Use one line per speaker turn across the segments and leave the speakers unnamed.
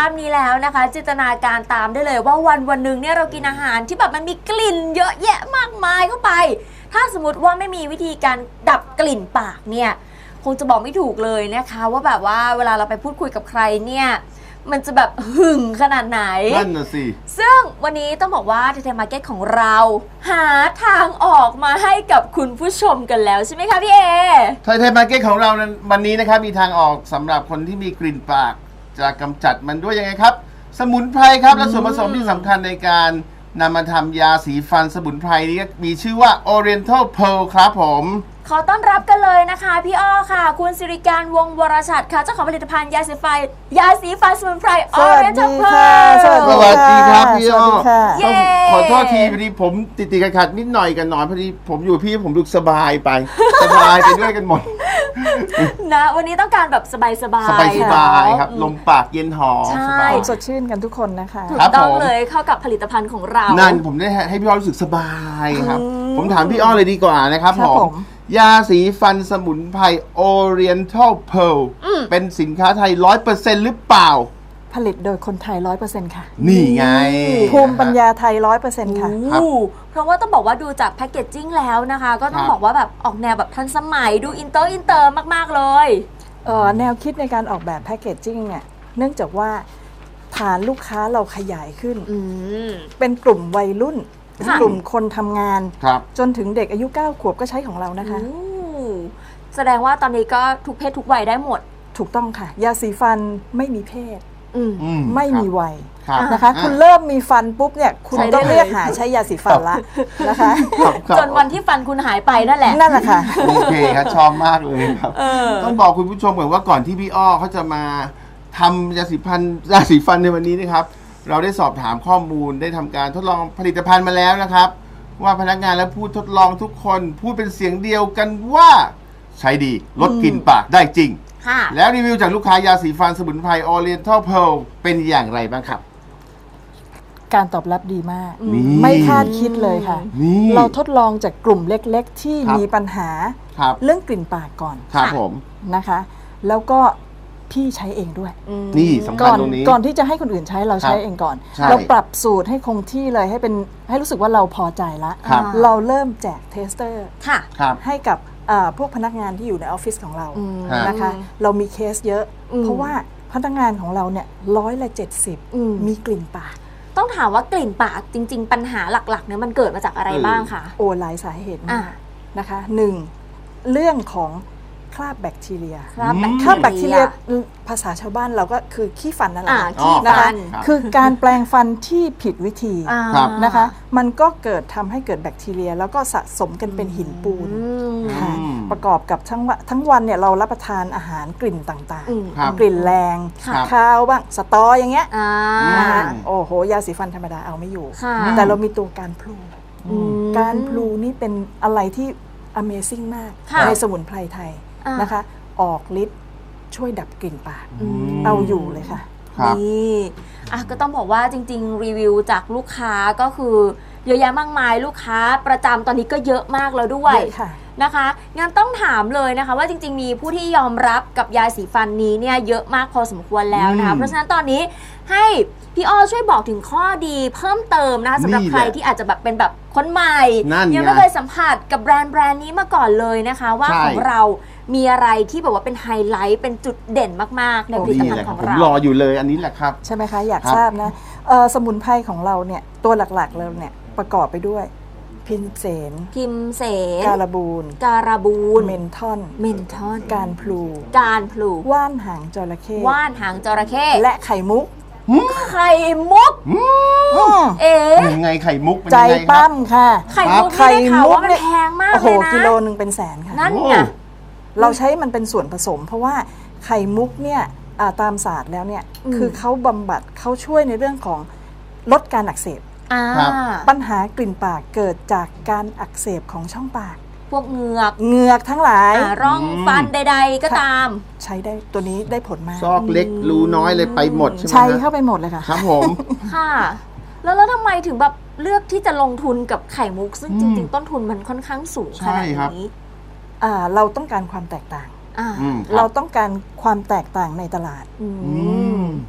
าพนี้แล้วนะคะจินตนาการตามได้เลยว่าวันหนึ่งเนี่ยเรากินอาหารที่แบบมันมีกลิ่นเยอะแยะมากมายเข้าไปถ้าสมมติว่าไม่มีวิธีการดับกลิ่นปากเนี่ยคงจะบอกไม่ถูกเลยนะคะว่าแบบว่าเวลาเราไปพูดคุยกับใครเนี่ยมันจะแบบหึงขนาดไหน
นั่นน่ะสิ
ซึ่งวันนี้ต้องบอกว่าไทยมาร์เก็ตของเราหาทางออกมาให้กับคุณผู้ชมกันแล้วใช่ไหมคะพี่เอ
ไทยมาร์เก็ตของเราวันนี้นะครับมีทางออกสำหรับคนที่มีกลิ่นปากจะกำจัดมันด้วยยังไงครับสมุนไพรครับและส่วนผสมที่สำคัญในการนำมาทำยาสีฟันสมุนไพรนี้มีชื่อว่า Oriental Pearl ครับผม
ขอต้อนรับกันเลยนะคะพี่อ้อค่ะคุณสิริการวงศ์วรชัดค่ะเจ้าของผลิตภัณฑ์ยาสีฟันสมุนไพร Oriental Pearl
สวัสดีครับพี่อ้อขอโทษทีพอดีผมติดขัดนิดหน่อยกันหน่อยพอดีผมอยู่พี่ผมดูสบายไปสบายไปด้วยกันหมด
นะวันนี้ต้องการแบบสบาย
ครับลมปากเย็นหอม
สบาย
สดชื่นกันทุกคนนะคะ
ถูกต้องเลยเข้ากับผลิตภัณฑ์ของเรา
นั่นผมได้ให้พี่อ้อรู้สึกสบายครับผมถามพี่อ้อเลยดีกว่านะครับผมยาสีฟันสมุนไพร Oriental Pearl เป็นสินค้าไทย 100% หรือเปล่า
ผลิตโดยคนไทย 100% ค่ะ
นี่ไง
ภูมิปัญญาไทย 100% ค่ะ
เพราะว่าต้องบอกว่าดูจากแพคเกจจิ้งแล้วนะคะก็ต้องบอกว่าแบบออกแนวแบบทันสมัยดูอินเตอร์มากๆเลย
แนวคิดในการออกแบบแพคเกจจิ้งเนี่ยเนื่องจากว่าฐานลูกค้าเราขยายขึ้นเป็นกลุ่มวัยรุ่นกลุ่มคนทำงานจนถึงเด็กอายุ9 ขวบก็ใช้ของเรานะคะ
แสดงว่าตอนนี้ก็ทุกเพศทุกวัยได้หมด
ถูกต้องค่ะยาสีฟันไม่มีเพศไม่มีวัยนะคะคุณเริ่มมีฟันปุ๊บเนี่ยคุณต้องเรียกหาใช้ยาสีฟันละนะคะ
จนวันที่ฟันคุณหายไปนั่นแหละ
นั่นแหละค่ะ
โอเคครับชอบมากเลยครับต้องบอกคุณผู้ชมก่อนว่าก่อนที่พี่อ้อเขาจะมาทำยาสีฟันในวันนี้นะครับเราได้สอบถามข้อมูลได้ทำการทดลองผลิตภัณฑ์มาแล้วนะครับว่าพนักงานและผู้ทดลองทุกคนพูดเป็นเสียงเดียวกันว่าใช้ดีลดกลิ่นปากได้จริงแล้วรีวิวจากลูกค้ายาสีฟันสมุนไพร Oriental Pearl เป็นอย่างไรบ้างครับ
การตอบรับดีมากไม่คาดคิดเลยค่ะเราทดลองจากกลุ่มเล็กๆที่มีปัญหาเรื่องกลิ่นปากก่อน
ครับผม
นะคะแล้วก็พี่ใช้เองด้วย
นี่สำคัญตรงนี้
ก่อนที่จะให้คนอื่นใช้เราใช้เองก่อนเราปรับสูตรให้คงที่เลยให้รู้สึกว่าเราพอใจละเราเริ่มแจกเทสเตอร์ให้กับพวกพนักงานที่อยู่ในออฟฟิศของเรานะคะเรามีเคสเยอะเพราะว่าพนักงานของเราเนี่ย170มีกลิ่นปาก
ต้องถามว่ากลิ่นปากจริงๆปัญหาหลักๆเนี่ยมันเกิดมาจากอะไรบ้างคะ
หลายสาเหตุมากนะคะ1เรื่องของคราบแบคทีเรียคราบแบคทีเรียภาษาชาวบ้านเราก็คือขี้ฟันนั่นแหละนะคะคือการแปลงฟันที่ผิดวิธีนะคะมันก็ทำให้เกิดแบคทีเรียแล้วก็สะสมกันเป็นหินปูนประกอบกับทั้งวันเนี่ยเรารับประทานอาหารกลิ่นต่างๆกลิ่นแรงคาวบ้างสตออย่างเงี้ยนะคะโอ้โหยาสีฟันธรรมดาเอาไม่อยู่แต่เรามีตัวการพลูนี่เป็นอะไรที่ Amazing มากในสมุนไพรไทยนะคะออกฤทธิ์ช่วยดับกลิ่นปากเอาอยู่เลยค่ะ
นี่ก็ต้องบอกว่าจริงๆรีวิวจากลูกค้าก็คือเยอะแยะมากมายลูกค้าประจำตอนนี้ก็เยอะมากแล้วด้วยนะคะงั้นต้องถามเลยนะคะว่าจริงๆมีผู้ที่ยอมรับกับยาสีฟันนี้เนี่ยเยอะมากพอสมควรแล้วนะคะเพราะฉะนั้นตอนนี้ให้พี่อ้อช่วยบอกถึงข้อดีเพิ่มเติมนะคะสำหรับใครที่อาจจะแบบเป็นแบบคนใหม่ยังไม่เคยสัมผัสกับแบรนด์นี้มาก่อนเลยนะคะว่าของเรามีอะไรที่แบบว่าเป็นไฮไลท์เป็นจุดเด่นมากๆในผลิตภัณฑ์ของเรา
รออยู่เลยอันนี้แหละครับ
ใช่ไหมคะอยากทราบนะสมุนไพรของเราเนี่ยตัวหลักๆเลยเนี่ยประกอบไปด้วยพิมเสนการบูนเมนทอนการพลูว่านหางจระเข้และไข่มุก
ยังไงไข่มุก
ใจปั้มค่ะ
ไข่มุกว่ามันแพงมากเลยนะ
กิโลนึงเป็นแสนค่ะ
นั่นไง
เราใช้มันเป็นส่วนผสมเพราะว่าไข่มุกเนี่ยตามศาสตร์แล้วเนี่ยคือเขาบำบัดเขาช่วยในเรื่องของลดการอักเสบปัญหากลิ่นปากเกิดจากการอักเสบของช่องปาก
พวกเหงื
อกทั้งหลาย
ร่องฟันใดๆก็ตาม
ใช้ได้ตัวนี้ได้ผลมาก
ซอกเล็กรูน้อยเลยไปหมดใช่ไหม
ใช้เข้าไปหมดเลยค่ะ
ครับผม
ค่ะแล้วทำไมถึงแบบเลือกที่จะลงทุนกับไข่มุกซึ่งจริงๆต้นทุนมันค่อนข้างสูงขนาดนี้
เราต้องการความแตกต่างเราต้องการความแตกต่างในตลาด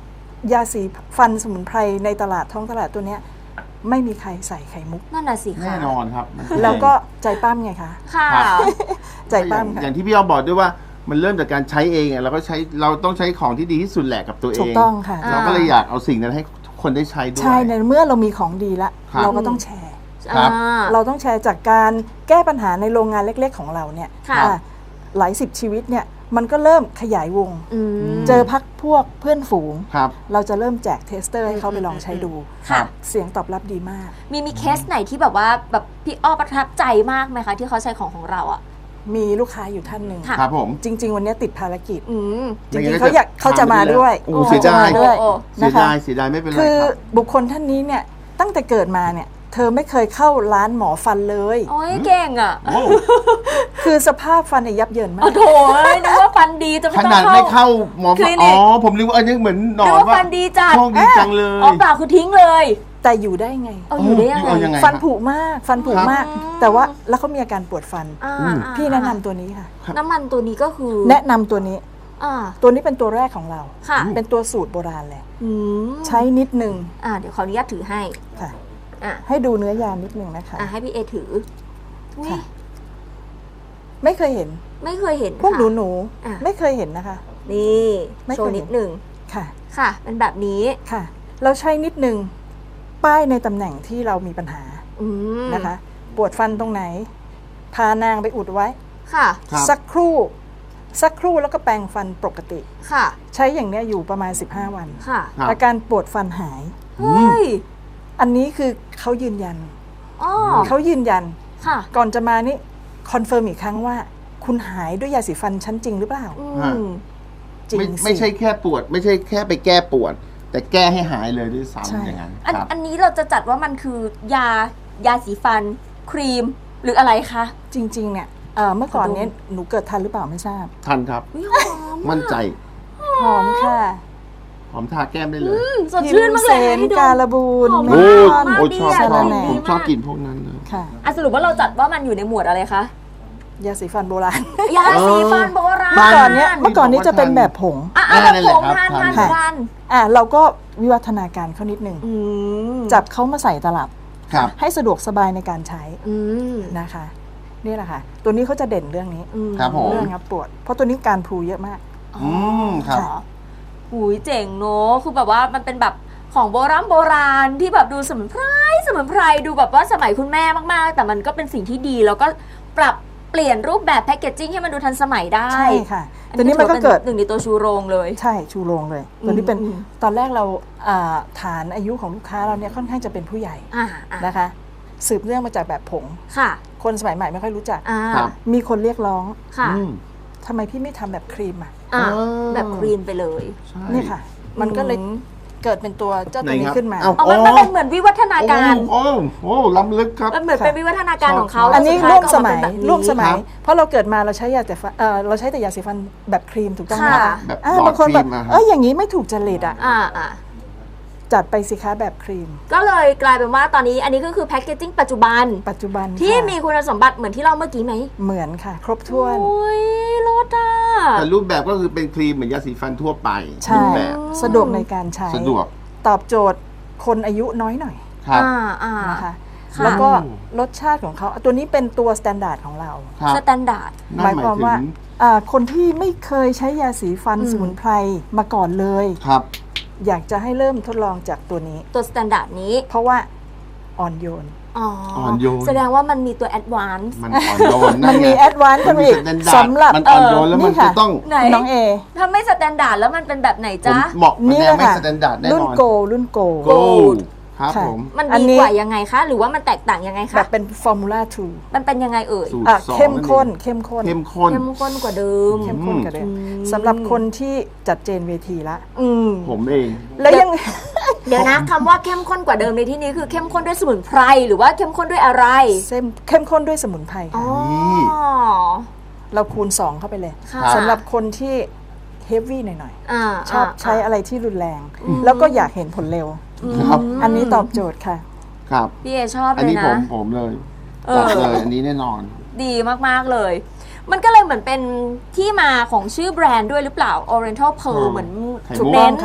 ยาสีฟันสมุนไพรในตลาดท้องตลาดตัวเนี้ยไม่มีใครใส่ไข่มุก
นั่นน่ะสิค่ะ
แน่นอนครับ
แล้วก็ใจปั้มไงคะ
ค่ะ
ใจปั้มค่ะ
อย่างที่พี่อ้อบอกด้วยว่ามันเริ่มจากการใช้เองเราก็ใช้เราต้องใช้ของที่ดีที่สุดแหละกับตัวเอง
ถูกต้องค่ะ
เราก็เลยอยากเอาสิ่งนั้นให้ทุกคนได้ใช้ด้วย
ใช่ในเมื่อเรามีของดีละ
ครับ
เราก็ต้องแชร์
ครับ
เราต้องแชร์จากการแก้ปัญหาในโรงงานเล็กๆของเราเนี่ย
ค่ะ
หลายสิบชีวิตเนี่ยมันก็เริ่มขยายวง
อืม
เจอพักพวกเพื่อนฝูง
ครับ
เราจะเริ่มแจกเทสเตอร์ให้เขาไปลองใช้ดู
ค่ะ
เสียงตอบรับดีมาก
มีเคสไหนที่แบบว่าแบบพี่อ้อประทับใจมากไหมคะที่เขาใช้ของเราอ่ะ
มีลูกค้าอยู่ท่านหนึ่ง
ค่ะ
ครับผม
จริง ๆ วันนี้ติดภารกิจ
อืม
จริงๆเขาจะมาด้วย
โอ้เสียดาย
จะมด้วย
โอ้
เสีย
นะคะ
ดายเสียดายไม่เป็นไร
คือ
ครับ
บุคคลท่านนี้เนี่ยตั้งแต่เกิดมาเนี่ยเธอไม่เคยเข้าร้านหมอฟันเลย
โอ้ยเก่งอ่ะ
โอ้
คือสภาพฟันเนี่ยยับเยินมา
โอ้
ก
โถนึกว่าฟันดีจะไม่
ข
ต้
นา
อ
ด
ง
ไม่เข้าหมอ
คลิ
ฟัน
นิ
อ๋อก ผมนึกว่าอันนี้เหมือนหนอ
นึก
น
ว่า
ว่า
ฟันดีจัด
โชคดีจังเลย
อ๋อเปล่าคือทิ้งเลย
แต่อยู่ได้ไง
เอาอยู่ได้ยัง
เอายัง
ไง
ไง
ฟันผุมาก ฟันผุ
ครับ
มาก แต่ว่าแล้วเขามีอาการปวดฟัน
อ่า
พี่แนะนำตัวนี้ค่ะ
น้ำมันตัวนี้ก็คือ
แนะนำตัวนี้
อ่า
ตัวนี้เป็นตัวแรกของเรา
ค่ะ
เป็นตัวสูตรโบราณเลย
อืม
ใช้นิดนึง
เดี๋ยวขออนุญาตถือให้
ค่ะ
อ่ะ
ให้ดูเนื้อยานิดนึงนะคะ
ให้พี่เอถืออุ๊ย
ค่ะ ไม่เคยเห็น
ไม่เคยเห็น
พวก
ค่ะ
หนู
อ่ะ
ไม่เคยเห็นนะคะ
นี่
ไม่
โช
เคย
ว์
เห็น
นิดหนึ่ง
ค่ะ
ค่ะ เป็นแบบนี้
ค่ะ เราใช้นิดนึงป้ายในตำแหน่งที่เรามีปัญหา
อืม
นะคะ ปวดฟันตรงไหน พานางไปอุดไว้
ค่ะ
ครับ
สักครู่แล้วก็แปรงฟันปกติ
ค่ะ
ใช้อย่างเนี้ยอยู่ประมาณ 15 วัน
ค่ะ
ครับ
อาการปวดฟันหาย
เฮ้ย
อันนี้คือเขายืนยัน
อ๋อ
เขายืนยัน
ค่ะ
ก่อนจะมานี่คอนเฟิร์มอีกครั้งว่า คุณหายด้วยยาสีฟันชั้นจริงหรือเปล่า
อื
ฮะ
ม
จริง
ไม่
สิ
ใช่แค่ปวด ไม่ใช่แค่ไปแก้ปวด แต่แก้ให้หายเลยด้วย
ใช่
ซ้ำอย่างนั้น
อัน
ครับ
อันนี้เราจะจัดว่ามันคือยาสีฟัน ครีม หรืออะไรคะ
จริง ๆ เนี่ยเมื่อก่อนเนี้ยหนูเกิดทันหรือเปล่าไม่ทราบ
ทันครับ
อุ๊ยหอม
มั่นใจ
หอมค่ะ
หอมทาแก้มได้เลย
สดชื่นมากเลย
พิม
ให้
เซน
ดู
การบูน
หอม
เม
โอ้
ลอน
มาก
โอ้ชอบ
ดี
ช
อะ
อบ
ดี
ผมชอบ
มาก
กินพวกนั้นเลย
ค่ะ
สรุปว่าเราจัดว่ามันอยู่ในหมวดอะไรคะ
ยาสีฟันโบราณ
ยาสีฟันโบราณ
เมื่อก่อนเนี้ยจะเป็นแบบผง
แบบผง
นั่นแหละครับ
ทาน
ค่ะ
ทาน
เราก็วิวัฒนาการเขานิดนึง
อืม
จับเขามาใส่ตลับ
ครับ
ให้สะดวกสบายในการใช้
อืม
นะคะนี่แหละค่ะ ตัวนี้เขาจะเด่นเรื่องนี้
ครับผม
เรื่องงับปวด เพราะตัวนี้การพลูเยอะมาก
ครับ
อ๋อหูยเจ๋งเนอะคือแบบว่ามันเป็นแบบของโบราณที่แบบดูสมุนไพรดูแบบว่าสมัยคุณแม่มากๆ แต่มันก็เป็นสิ่งที่ดีแล้วก็ปรับเปลี่ยนรูปแบบแพคเกจจิ้งให้มันดูทันสมัยได้
ใช่ค่ะ ตัวนี้มันก็เกิด
หนึ่งในตัวชูโรงเลย
ใช่ชูโรงเลย ตัวนี้เป็น
อืม
ตอนแรกเราฐานอายุของลูกค้าเราเนี่ยค่อนข้างจะเป็นผู้ใหญ่
อ่า
นะคะ สืบเนื่องมาจากแบบผง
ค่ะ
คนสมัยใหม่ไม่ค่อยรู้จัก
ครับ
มีคนเรียกร้อง
ค่ะ
อืม
ทำไมพี่ไม่ทำแบบครีมอ่ะ
อ่า
อ๋อ
แบบครีมไปเลย
ใช่
นี่ค่ะ มันก็เลยเกิดเป็นตัวเจ้าตัว
ไหน
นี้
ครับ
ขึ้นมา
เอ้า
เอามันเป็นเหมือนวิวัฒนาการ
โอ้ล้ำลึกครับ
มันเหมือนเป็นวิวัฒนาการของเขา
อันนี้
แล้ว
ร่วม
สุ
ส
ดท้า
มัย
ก็ออกาเป็นแบบนี้
ร่วมสมัย
ครับ
เพราะเราเกิดมาเราใช้ยาแต่ฟันเราใช้แต่ยาสีฟันแบบครีมถูกต้องไหม
ค่ะ
แบบ
บางคนแบบ
หลอดครีมอะครับ
อย่างนี้ไม่ถูกจริตอ่ะ
อ่า
จัดไปสิคะแบบครีม
ก็เลยกลายเป็นว่าตอนนี้อันนี้ก็คือแพคเกจจิ้งปัจจุบัน
ปัจจุบัน
ที่
ค่ะ
มีคุณสมบัติเหมือนที่เราเมื่อกี้ไหม
เหมือนค่ะ ครบถ้วน
โอ้ยรสอ่ะ
แต่รูปแบบก็คือเป็นครีมเหมือนยาสีฟันทั่วไป
ใช่
รูปแบบ
สะดวกในการใช้
สะดวก
ตอบโจทย์คนอายุน้อยหน่อย
ครับ
อ่า
นะคะ
ค่ะ
แล้วก็รสชาติของเขาตัวนี้เป็นตัวสแตนดาร์ดของเรา
ครับ
สแตนดาร์ด
นั่น
หมายความว่า
ถึง
คนที่ไม่เคยใช้ยาสีฟัน
อืม
สมุนไพรมาก่อนเลย
ครับ
อยากจะให้เริ่มทดลองจากตัวนี้
ตัวสแตนดาร์ดนี้
เพราะว่าอ่อนโยน
อ่อนโยน
แสดงว่ามันมีตัวแอดวานซ์
มันอ่อนโยน
มันมี
ไง
แอดวานซ์ขึ้นมาอีก
มันมี standard
สำหรับ
มันอ่อนโยนแล้วมัน
นี่ค่ะ
จะต้อง
ไหน
น้องเอ
ถ้าไม่สแตนดาร์ดแล้วมันเป็นแบบไหน
ผม
จ๊ะ
เหมาะมัน
นี่
แน
แห
ว
ละ
ไม่
ค่ะ
สแตนดาร์ดแน่
รุ่
น
น
อน
โกรุ่นโก
โกลด์ครับ
ค่ะ
ผม
มัน
อัน
ดี
นี้
กว่ายังไงคะ หรือว่ามันแตกต่างยังไง
แบ
คะ
บเป็นฟอร์มูล่า
มันเป็นยังไงเอ่ย
สูตร
2
สอง
เข้มข้น
นั่นเอง
เข้มข้น
เข้มข้น
เข้มข้นกว่าเดิม
เข้มข้นกันเลย
อืม
สำหรับคนที่จัดเจนเวทีละ
อืม
ผมเอง
แล้วยัง
เดี๋ยวนะคำว่าเข้มข้นกว่าเดิมในที่นี้คือเข้มข้นด้วยสมุนไพรหรือว่าเข้มข้นด้วยอะไร
เข้มข้นด้วยสมุนไพร
อ๋อ
ค่ะเราคูณ 2 เข้าไปเลย
ค่ะ
สำหรับคนที่เฮฟวี่หน่อย
อ่า
ๆ ชอบใช้อะไรที่รุนแรง แล้วก็อยากเห็นผลเร็ว
ครับ
อันนี้ตอบโจทย์ค่ะ
ครับ
พี่เอชอบ
อัน
เลย
นี้
นะ
ผมเลย
เออ
บอกเลยอันนี้แน่นอน
ดีมาก ๆ เลย มันก็เลยเหมือนเป็นที่มาของชื่อแบรนด์ด้วยหรือเปล่า Oriental Pearl เหมือน
ไข่
จุด
มุก
เน้น
ค่ะ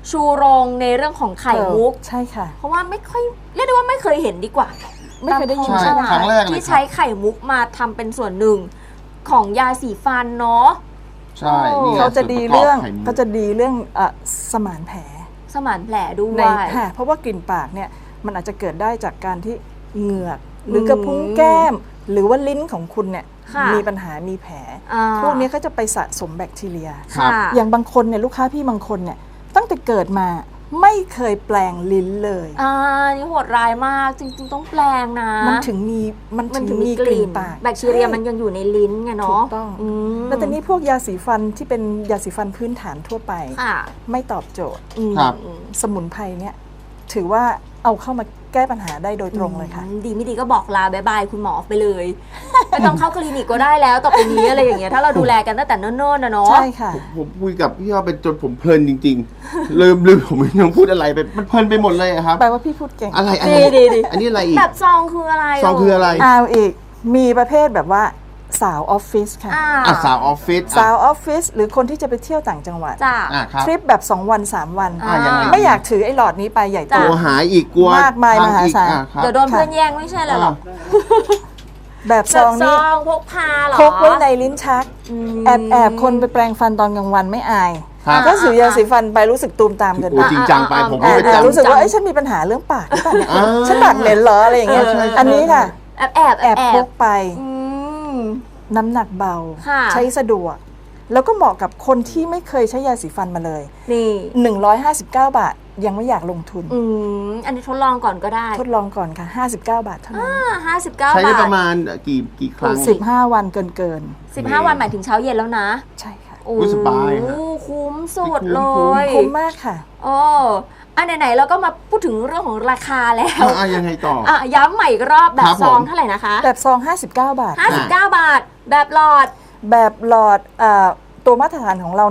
ชูโรงในเรื่องของไข่มุก
ใช่ค่ะ
เพราะว่าไม่ค่อยเรียกได้ว่าไม่เคยเห็นดีกว่า
ไม่เคยได้ยิน
ใช่
ใช่ไหม
ครั้งแรกเลย
ที่ใช้ไข่มุกมาทำเป็นส่วนหนึ่งของยาสีฟันเนาะ
ใช่นี่ไง
เขาจะดี
ส่วนประกบ
เรื่อง
ไข่มุก
เขาจะดีเรื่องสมานแผล
สมานแผลด้ว
ใน
ย
ค่ะเพราะว่ากลิ่นปากเนี่ยมันอาจจะเกิดได้จากการที่เหงือกหรือกระพุ้งแก้ม หรือว่าลิ้นของคุณเนี่ย
ค่ะ
มีปัญหามีแผล
อ่า
พวกนี้ก็จะไปสะสมแบคทีเรีย
ครับ
ค่ะ
อย่างบางคนเนี่ยลูกค้าพี่บางคนเนี่ยตั้งแต่เกิดมาไม่เคยแปลงลิ้นเลย
นี่โหดร้ายมากจริงๆต้องแปลงนะ
มันถึงมีกลิ่นปาก
แบคทีเรียมันยังอยู่ในลิ้นไง
ถู
เนาะ
กต้อง
ม
แล้วแต่นี้พวกยาสีฟันที่เป็นยาสีฟันพื้นฐานทั่วไป
ค่ะ
ไม่ตอบโจทย์
ครับ
สมุนไพรเนี่ยถือว่าเอาเข้ามาแก้ปัญหาได้โดยตรงเลยค่ะ
ดีไม่ดีก็บอกลาบายบายคุณหมอไปเลย ไม่ต้องเข้าคลินิกก็ได้แล้วต่อไปนี้อะไรอย่างเงี้ยถ้าเราดูแลกันตั้งแต่เนิ่นๆนะเนาะ
ใช่ค่ะ
ผมคุยกับพี่อ้อเป็นจนผมเพลินจริงๆ ลืมผมไม่ต้องพูดอะไรไปมันเพลินไปหมดเลยอะครับ
แปลว่าพี่พูดเก่ง
อะไร
ดี
อันนี้อะไรอีก
แบบซองคืออะไร
ซองคืออะไร
เอาอีกมีประเภทแบบว่าสาวออฟฟิศค่ะ
อ่ะสาวออฟฟิศ
สาวออฟฟิศหรือคนที่จะไปเที่ยวต่างจังหวัด
จ้ะ
ครับ
ทริปแบบ 2 วัน 3 วัน
ยังไง
ไม่อยากถือไอ้หลอดนี้ไปใหญ่โต
จ้ะ
กลัวหายอีกกลัว
มากมาย
พัง
มหา
อีก
ศาล
ครับ
เดี๋ยวโดนเพื่อนแย่งไม่ใช่เลยหรอก
แบบซ
แบบ
อง
ซ
นี้
องพกพาเหรอ
พกไว้ในลิ้นชัก แอบคนไปแปรงฟันตอนกลางวันไม่อาย
ครับ
ก็ถือยาสีฟันไปรู้สึกตูมตามเกิน
โอ้
ไป
จริงจังไปผมก็ไป
แอบ
จำ
รู้สึกว่าเอ้ยฉันมีปัญหาเรื่องปากหรือเปล่าเนี่ย
อ่า
ฉันปากเหม็นเหรออะไรอย่างเงี้ย
ใช่
อันนี้ค่ะ
แอบ
พกไป
อืม
น้ำหนักเบา
ค่ะ
ใช้สะดวก แล้วก็เหมาะกับคนที่ไม่เคยใช้ยาสีฟันมาเลย
นี่
159 บาทยังไม่อยากลงทุน
อันนี้ทดลองก่อนก็ได้
ทดลองก่อนค่ะ 59 บาทเท่านั้น
59
ใช้ได้
บา
ป
ท
ระมาณกี่ครั้ง
15 วันเกิน
15 วันหมายถึงเช้าเย็นแล้วนะ
ๆ ใช่ค่ะ
โอ้
สบายฮะ
คุ้มสุด
คุ้ม
เลย
คุ้มมากค่ะ
โอ้อันไหนๆเราก็มาพูดถึงเรื่องของราคาแล้ว
ยังไงต่อ
ย้ำใหม่อีกรอบแบ
ครับ บ
ซอง
ผม
เท่าไหร่นะคะ
แบบซอง 59 บาท
59 บาท แบบหลอด
แบบหลอดตัวมาตรฐานของเรา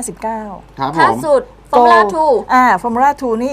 159
ครับผ
ถ้าม สุดฟอร์มูล่าทู
ฟอร์มูล่าทูนี่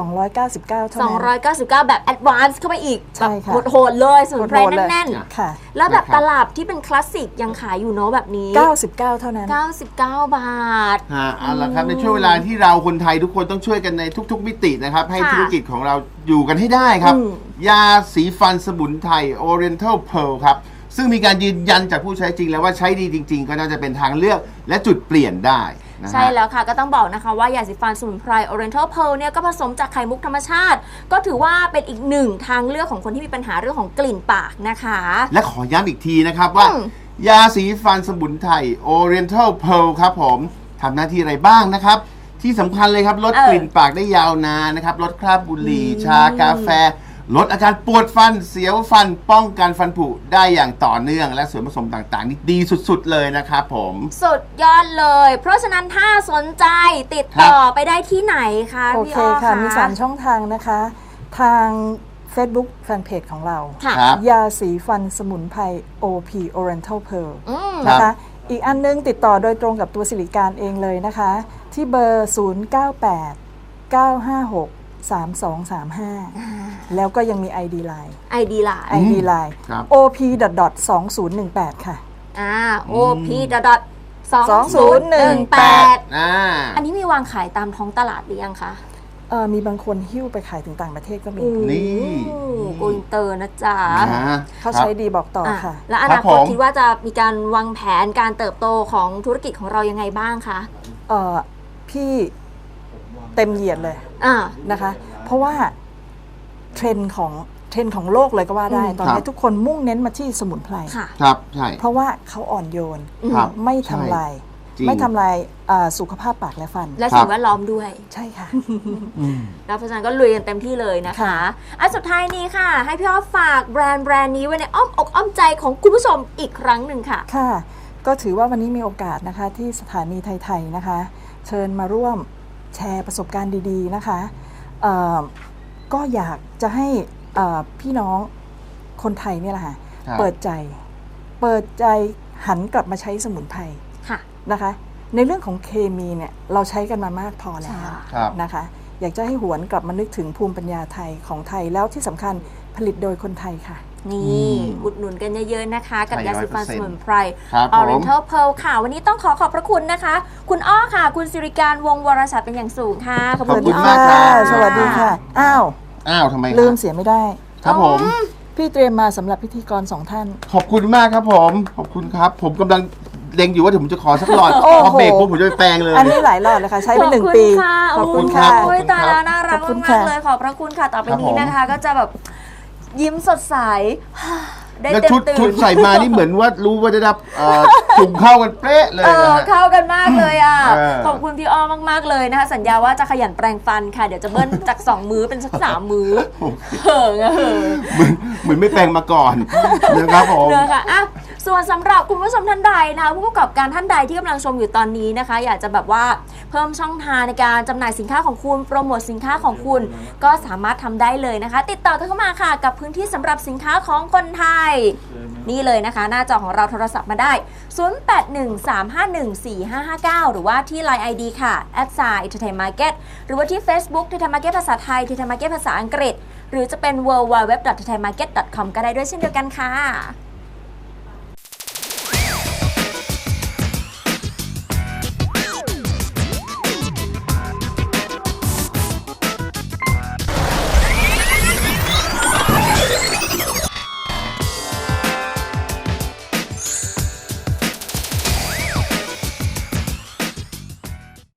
299 เท่านั้น
299 แบบแอดวานซ์เข้าไปอีก
ใช่ค่ะ
แบบโหดๆเลยสมุนไพร
โหดๆเลย
แน่น
ค่ะ
ๆ แล้วแบบ
นะครับ
ตลับที่เป็นคลาสสิกยังขายอยู่เนาะแบบนี้
99 เท่านั้น
99 บาท
เอาละครับในช่วงเวลาที่เราคนไทยทุกคนต้องช่วยกันในทุก ๆ มิตินะครับ ให้
ค่ะ
ธุรกิจของเราอยู่กันให้ได้ครับ
อืม
ยาสีฟันสมุนไพร Oriental Pearl ครับ ซึ่งมีการยืนยันจากผู้ใช้จริงแล้วว่าใช้ดีจริง ๆ ก็น่าจะเป็นทางเลือกและจุดเปลี่ยนได้นะฮะ
ใช่แล้วค่ะก็ต้องบอกนะคะว่ายาสีฟันสมุนไพร Oriental Pearl เนี่ยก็ผสมจากไข่มุกธรรมชาติ ก็ถือว่าเป็นอีกหนึ่งทางเลือกของคนที่มีปัญหาเรื่องของกลิ่นปากนะคะ
และขอย้ำอีกทีนะครับว่า ยาสีฟันสมุนไพร Oriental Pearl ครับผมทำหน้าที่อะไรบ้างนะครับ ที่สำคัญเลยครับลดกลิ่นปากได้ยาวนานนะครับลดคราบบุหรี่ชากาแฟ ลดอาการปวดฟันเสียวฟันป้องกันฟันผุได้อย่างต่อเนื่องและส่วนผสมต่างๆ นี่ดีสุดๆเลยนะครับผม
สุดยอดเลย เพราะฉะนั้นถ้าสนใจติดต่อไปได้ที่ไหนคะ
โอ
พี่
เค
อ้อ
ค่ะ
คะ
มี 3 ช่องทางนะคะ ทาง Facebook Fanpage ของเรา
ค่ะ
ครับ
ยาสีฟันสมุนไพร OP Oriental Pearl
ครับ
นะคะ อีกอันนึงติดต่อโดยตรงกับตัวสิริการเองเลยนะคะ ที่เบอร์ 098 956 3235 แล้วก็ยังมี ID Line
ID Line
ID Line
ครับ
op.2018 ค่ะ
OP 2018 อันนี้มีวางขายตามท้องตลาดหรือยังคะ
มีบางคนหิ้วไปขายถึงต่างประเทศก็มี
นี่
โกอินเตอร์นะจ๊ะ
เขาใช้ดีบอกต่อค่ะ
แล้วอนาคตคิดว่าจะมีการวางแผนการเติบโตของธุรกิจของเรายังไงบ้างคะ
พี่เต็มเหยียดเลย
อ่า
นะคะ เพราะว่าเทรนด์ของโลกเลยก็ว่าได้ ตอนนี้ทุกคนมุ่งเน้นมาที่สมุนไพร
ค่ะ
ครับใช่
เพราะว่าเขาอ่อนโยน
ครับ
ไม่ทำลาย
จริง
ไม่ทำลายสุขภาพปากและฟัน
และสิ่งแวดล้อมด้วย
ใช่ค่ะ
แล้วเพราะฉะนั้นก็ลุยกันเต็มที่เลยนะคะ
ค่ะ
อันสุดท้ายนี้ค่ะ ให้พี่อ้อฝากแบรนด์นี้ไว้ในอ้อมอกอ้อมใจของคุณผู้ชมอีกครั้งหนึ่งค่ะ
ค่ะ ก็ถือว่าวันนี้มีโอกาสนะคะที่สถานีไทยๆนะคะ เชิญมาร่วมแชร์ประสบการณ์ดีๆนะคะก็อยากจะให้พี่น้องคนไทยเนี่ยแหละค่ะ
ครับ
เปิดใจหันกลับมาใช้สมุนไพร
ค่ะ
นะคะ ในเรื่องของเคมีเนี่ยเราใช้กันมามากพอแล้ว
ครับ
นะคะ อยากจะให้หวนกลับมานึกถึงภูมิปัญญาไทยของไทยแล้วที่สำคัญผลิตโดยคนไทยค่ะ
นี่อุดหนุนกันเยอะๆนะคะ กับยาสีฟันสมุนไพร
ครับผม
Oriental Pearl ค่ะ วันนี้ต้องขอบพระคุณนะคะ คุณอ้อค่ะ คุณสิริการวงศ์วรชัดเป็นอย่างสูงค่ะ
ขอบคุณ
พี่
มากครับ
สวัสดีค่ะ อ้าว
ทำไมครับ
ลืมเสียไม่ได้
ครับผม
พี่เตรียมมาสำหรับพิธีกร2 ท่าน
ขอบคุณมากครับผม ขอบคุณครับ ผมกำลังเล็งอยู่ว่าเดี๋ยวผมจะขอสักหลอด
โอ้โห
พอเบรกปุ๊บผมจะไปแปลงเลย
อันนี้หลายหลอดเลยค่ะ ใช้ไป1 ปี
ขอบคุณค่ะ
ขอบคุณครับ
โอ้ยตายแล้วน่ารัก
ขอบคุณ
มา
ค่ะ
กๆเลย ขอบพระคุณค่ะ ต่อไป
ครับ
นี้
ผม
นะคะ ก็จะแบบยิ้มสดใส ได้
แล้ว
เต็ม
ชุด
ตื่
ชุด
น
ใส่มานี่เหมือนว่ารู้ว่าได้รับจุ่มเข้ากันเป๊ะเลยนะฮะ
เข้ากันมากเลยอ่ะ
เออ
ขอบคุณพี่อ้อมากๆเลยนะคะ สัญญาว่าจะขยันแปรงฟันค่ะ เดี๋ยวจะเบิ้ลจาก 2 มื้อเป็นสัก 3 มื้อเหิงอะเหิง
เหมือนไม่แปลงมาก่อนนะครับผม
เนอะค่ะอ่ะ ส่วนสำหรับคุณผู้ชมท่านใดนะคะผู้ประกอบการท่านใดที่กำลังชมอยู่ตอนนี้นะคะ อยากจะแบบว่าเพิ่มช่องทางในการจำหน่ายสินค้าของคุณโปรโมทสินค้าของคุณก็สามารถทำได้เลยนะคะ ติดต่อเข้ามาค่ะกับพื้นที่สำหรับสินค้าของคนไทย นี่เลยนะคะ หน้าจอของเราโทรศัพท์มาได้ 0813514559 หรือว่าที่ Line ID ค่ะ @entertainmarket หรือว่าที่ Facebook entertainmarket ภาษาไทย entertainmarket ภาษาอังกฤษ หรือจะเป็น www.entertainmarket.com ก็ได้ด้วยเช่นเดียวกันค่ะ